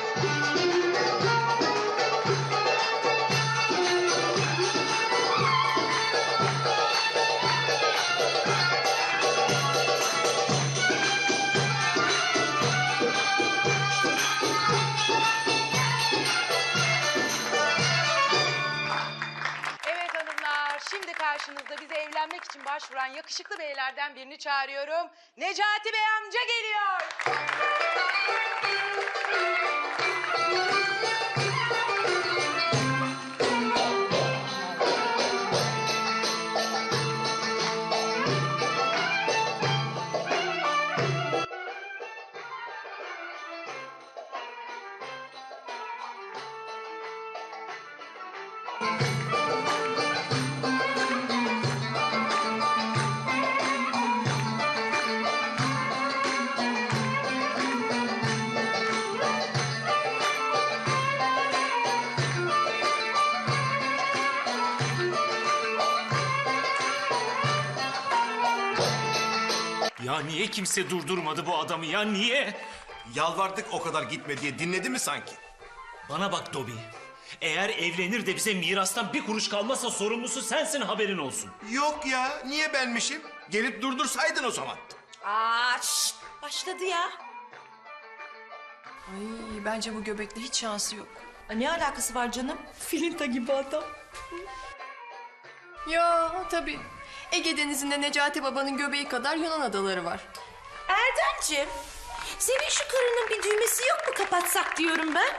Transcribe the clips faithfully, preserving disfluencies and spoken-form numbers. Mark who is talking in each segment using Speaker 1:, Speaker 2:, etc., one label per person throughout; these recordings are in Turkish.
Speaker 1: Karşınızda bize evlenmek için başvuran yakışıklı beylerden birini çağırıyorum. Necati Bey amca geliyor.
Speaker 2: Ya niye kimse durdurmadı bu adamı ya, niye?
Speaker 3: Yalvardık o kadar gitme diye, dinledi mi sanki?
Speaker 2: Bana bak Dobi. Eğer evlenir de bize mirastan bir kuruş kalmazsa sorumlusu sensin, haberin olsun.
Speaker 3: Yok ya, niye benmişim? Gelip durdursaydın o zaman.
Speaker 1: Aa, şşt, başladı ya.
Speaker 4: Ay bence bu göbekli hiç şansı yok.
Speaker 1: Ne alakası var canım?
Speaker 4: Filinta gibi adam. Ya tabii. Ege Denizi'nde Necati Baba'nın göbeği kadar Yunan adaları var.
Speaker 1: Erdemciğim, senin şu karının bir düğmesi yok mu kapatsak diyorum ben.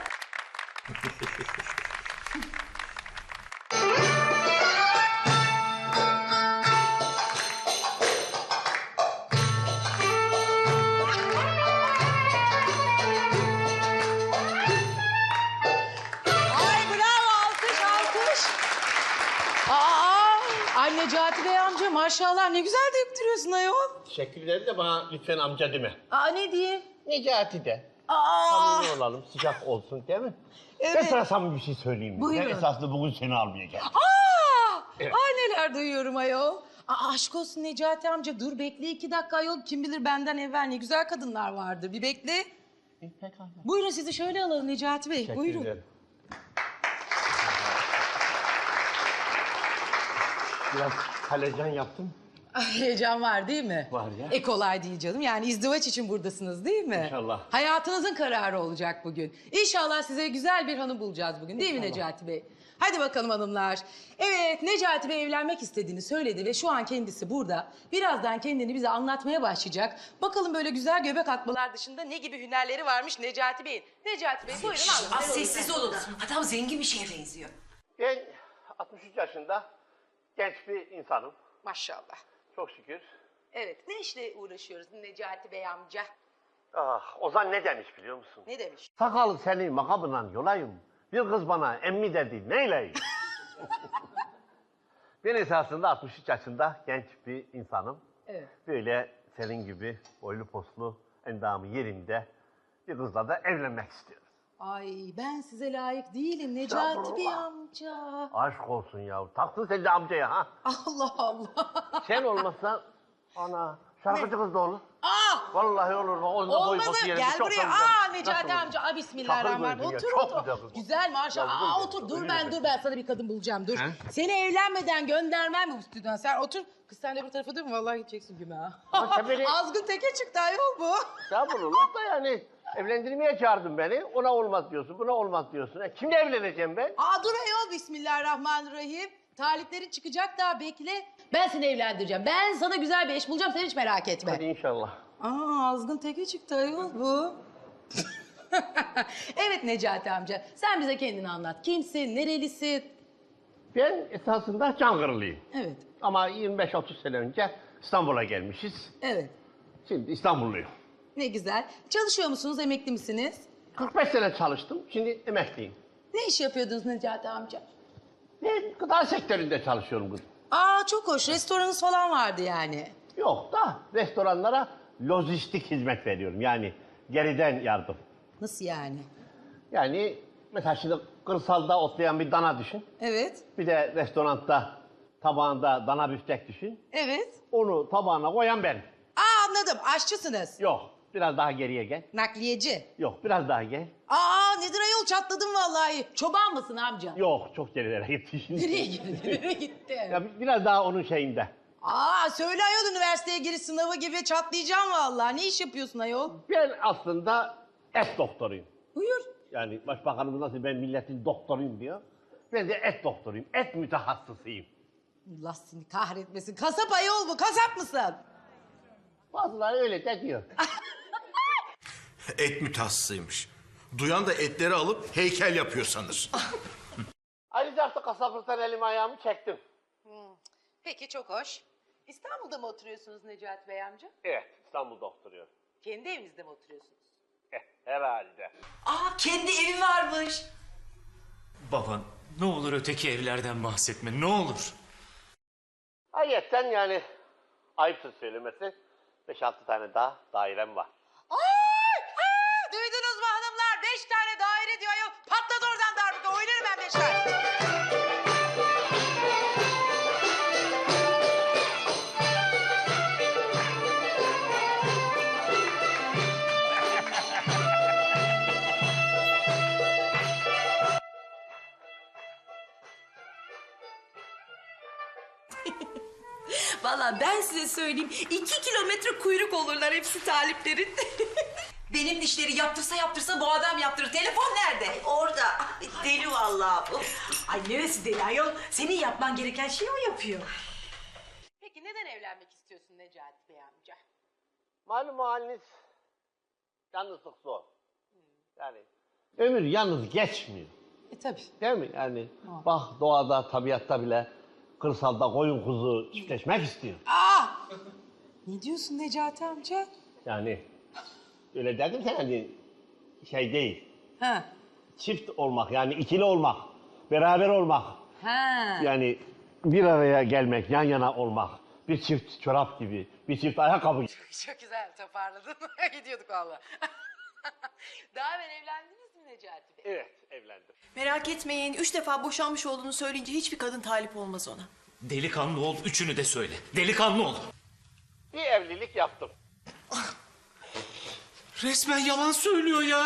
Speaker 1: Ay bravo, alkış alkış. Aa, ay Necati Bey amca maşallah ne güzel döktürüyorsun ayol.
Speaker 5: Teşekkür ederim de bana lütfen amca deme.
Speaker 1: Aa ne diyeyim?
Speaker 5: Necati de.
Speaker 1: Aa.
Speaker 5: Samimi olalım, sıcak olsun değil mi?
Speaker 1: Evet.
Speaker 5: Ben sana samimi bir şey söyleyeyim mi?
Speaker 1: Buyurun.
Speaker 5: Ben esaslı bugün seni almayacağım.
Speaker 1: Aa!
Speaker 5: Evet.
Speaker 1: Ay neler duyuyorum ayol. Aa, aşk olsun Necati amca, dur bekle iki dakika ayol. Kim bilir benden evvel ne güzel kadınlar vardır. Bir bekle.
Speaker 5: Pekala.
Speaker 1: Buyurun sizi şöyle alalım Necati Bey.
Speaker 5: Teşekkür
Speaker 1: Buyurun.
Speaker 5: ederim. Biraz kalecan yaptım.
Speaker 1: Ay, heyecan var değil mi?
Speaker 5: Var ya.
Speaker 1: E kolay değil canım. Yani izdivaç için buradasınız değil mi?
Speaker 5: İnşallah.
Speaker 1: Hayatınızın kararı olacak bugün. İnşallah size güzel bir hanım bulacağız bugün değil mi Necati Bey? Hadi bakalım hanımlar. Evet, Necati Bey evlenmek istediğini söyledi ve şu an kendisi burada. Birazdan kendini bize anlatmaya başlayacak. Bakalım böyle güzel göbek atmalar dışında ne gibi hünerleri varmış Necati Bey'in. Necati Bey buyurun anlatın.
Speaker 6: Az sessiz olun. Adam zengin bir şeye benziyor.
Speaker 5: Ben altmış üç yaşında genç bir insanım.
Speaker 1: Maşallah.
Speaker 5: Çok şükür.
Speaker 1: Evet, ne işle uğraşıyoruz Necati Bey amca?
Speaker 5: Ah, Ozan ne demiş biliyor musun?
Speaker 1: Ne demiş?
Speaker 5: Sakalı seni makabından yolayım. Bir kız bana emmi dedi, neyleyim? Ben esasında altmış üç yaşında genç bir insanım.
Speaker 1: Evet.
Speaker 5: Böyle senin gibi boylu poslu, endamı yerinde bir kızla da evlenmek istiyorum.
Speaker 1: Ay ben size layık değilim Necati Bey amca.
Speaker 5: Aşk olsun ya. Taktın sen de amcaya ha.
Speaker 1: Allah Allah.
Speaker 5: Sen olmazsan ana şarkıcı kız da olur.
Speaker 1: Aa!
Speaker 5: Vallahi olur. Onun da boy
Speaker 1: Olmadı.
Speaker 5: posu yerinde
Speaker 1: Gel
Speaker 5: çok
Speaker 1: buraya.
Speaker 5: da güzel.
Speaker 1: Aa
Speaker 5: Nasıl
Speaker 1: Necati
Speaker 5: olur?
Speaker 1: amca. Aa bismillahirrahmanirrahim.
Speaker 5: Çakır
Speaker 1: Otur
Speaker 5: gözü ya, çok
Speaker 1: otur.
Speaker 5: güzel kız.
Speaker 1: Güzel maşallah.
Speaker 5: Ya,
Speaker 1: Aa
Speaker 5: bugün
Speaker 1: otur.
Speaker 5: de-
Speaker 1: Dur
Speaker 5: öyle
Speaker 1: ben
Speaker 5: mi?
Speaker 1: dur ben sana bir kadın bulacağım. Dur.
Speaker 5: He?
Speaker 1: Seni evlenmeden göndermem bu stüdyodan. Sen otur. Kız sen de bir tarafa dur. Vallahi gideceksin güme ha.
Speaker 5: Ama sen beni-
Speaker 1: Azgın teke çıktı ayol bu.
Speaker 5: Estağfurullah da yani evlendirmeye çağırdın beni. Ona olmaz diyorsun, buna olmaz diyorsun. E, kimle evleneceğim ben?
Speaker 1: Aa dur ayol bismillahirrahmanirrahim. Taliplerin çıkacak daha bekle. Ben seni evlendireceğim. Ben sana güzel bir eş bulacağım. Sen hiç merak etme.
Speaker 5: Hadi inşallah.
Speaker 1: Aa azgın teke çıktı ayol bu. Evet Necati amca. Sen bize kendini anlat. Kimsin? Nerelisin?
Speaker 5: Ben esasında Çankırılıyım.
Speaker 1: Evet.
Speaker 5: Ama yirmi beş otuz sene önce İstanbul'a gelmişiz.
Speaker 1: Evet.
Speaker 5: Şimdi İstanbulluyum.
Speaker 1: Ne güzel. Çalışıyor musunuz? Emekli misiniz?
Speaker 5: kırk beş sene çalıştım, şimdi emekliyim.
Speaker 1: Ne iş yapıyordunuz Necati amca?
Speaker 5: Ben gıda sektöründe çalışıyorum kızım.
Speaker 1: Aa çok hoş. Restoranınız falan vardı yani.
Speaker 5: Yok da restoranlara lojistik hizmet veriyorum. Yani geriden yardım.
Speaker 1: Nasıl yani?
Speaker 5: Yani mesela şimdi kırsalda otlayan bir dana düşün.
Speaker 1: Evet.
Speaker 5: Bir de restoranda tabağında dana büftek düşün.
Speaker 1: Evet.
Speaker 5: Onu tabağına koyan ben.
Speaker 1: Aa anladım. Aşçısınız.
Speaker 5: Yok. Biraz daha geriye gel.
Speaker 1: Nakliyeci.
Speaker 5: Yok, biraz daha gel.
Speaker 1: Aa nedir ayol, çatladım vallahi. Çoban mısın amca?
Speaker 5: Yok, çok gerilere gitti şimdi.
Speaker 1: Nereye gitti? Nereye gitti?
Speaker 5: Ya biraz daha onun şeyinde.
Speaker 1: Aa söyle ayol, üniversiteye giriş sınavı gibi çatlayacağım vallahi. Ne iş yapıyorsun ayol?
Speaker 5: Ben aslında et doktoruyum.
Speaker 1: Buyur.
Speaker 5: Yani başbakanımız nasıl ben milletin doktoruyum diyor. Ben de et doktoruyum, et mütehassısıyım.
Speaker 1: Allah seni kahretmesin. Kasap ayol bu, kasap mısın?
Speaker 5: Bazıları öyle de diyor.
Speaker 3: Et mütehassısıymış. Duyan da etleri alıp heykel yapıyor sanır.
Speaker 5: Ayrıca artık kasaplıktan elimi ayağımı çektim.
Speaker 1: Peki çok hoş. İstanbul'da mı oturuyorsunuz Necati Bey amca?
Speaker 5: Evet, İstanbul'da oturuyorum.
Speaker 1: Kendi evinizde mi oturuyorsunuz?
Speaker 5: Eh, herhalde.
Speaker 6: Aa kendi evi varmış.
Speaker 2: Baba ne olur öteki evlerden bahsetme ne olur.
Speaker 5: Ayrıca yani ayıptır söylemesi beş altı tane daha dairem var.
Speaker 1: Ay! Aa! Duydunuz mu hanımlar? Beş tane daire diyor ayol. Patladı oradan darbuka. Oynarım ben beş tane.
Speaker 6: Vallahi ben size söyleyeyim. iki kilometre kuyruk olurlar hepsi taliplerin. Benim dişleri yaptırsa yaptırsa bu adam yaptırır. Telefon nerede? Orada. Deli vallahi bu. Ay neresi deli ayol? Senin yapman gereken şeyi o yapıyor.
Speaker 1: Peki neden evlenmek istiyorsun Necati Bey amca?
Speaker 5: Malum haliniz yalnızlık zor. Yani ömür yalnız geçmiyor.
Speaker 1: E tabii.
Speaker 5: Değil mi? Yani bak doğada, tabiatta bile kırsalda koyun kuzu çiftleşmek istiyor.
Speaker 1: Aa! Ne diyorsun Necati amca?
Speaker 5: Yani öyle dedim ki hani şey değil.
Speaker 1: Ha.
Speaker 5: Çift olmak yani ikili olmak, beraber olmak.
Speaker 1: Ha.
Speaker 5: Yani bir araya gelmek, yan yana olmak. Bir çift çorap gibi, bir çift ayakkabı gibi.
Speaker 1: Çok güzel toparladın. Gidiyorduk valla. Daha evvel evlendiniz mi Necati Bey?
Speaker 5: Evet, evlendim.
Speaker 4: Merak etmeyin, üç defa boşanmış olduğunu söyleyince hiçbir kadın talip olmaz ona.
Speaker 2: Delikanlı ol üçünü de söyle. Delikanlı ol.
Speaker 5: Bir evlilik yaptım.
Speaker 3: Resmen yalan söylüyor ya.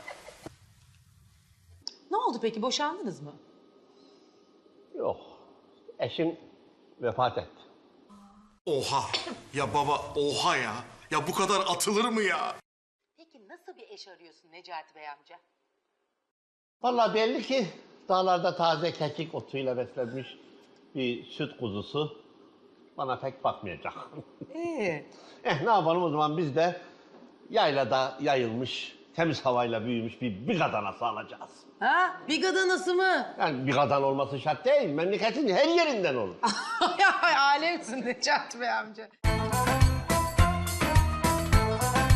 Speaker 1: Ne oldu peki, boşandınız mı?
Speaker 5: Yok, eşim vefat etti.
Speaker 3: Oha. Ya baba oha ya. Ya bu kadar atılır mı ya?
Speaker 1: Peki nasıl bir eş arıyorsun Necati Bey amca?
Speaker 5: Vallahi belli ki dağlarda taze kekik otuyla beslenmiş bir süt kuzusu bana pek bakmayacak.
Speaker 1: Ee?
Speaker 5: Eh ne yapalım o zaman biz de yaylada yayılmış, temiz havayla büyümüş bir bigadanası alacağız.
Speaker 1: Ha? Bir gadanası mı?
Speaker 5: Yani bigadan olması şart değil, memleketin her yerinden olur.
Speaker 1: Ay alemsin Necati Bey amca.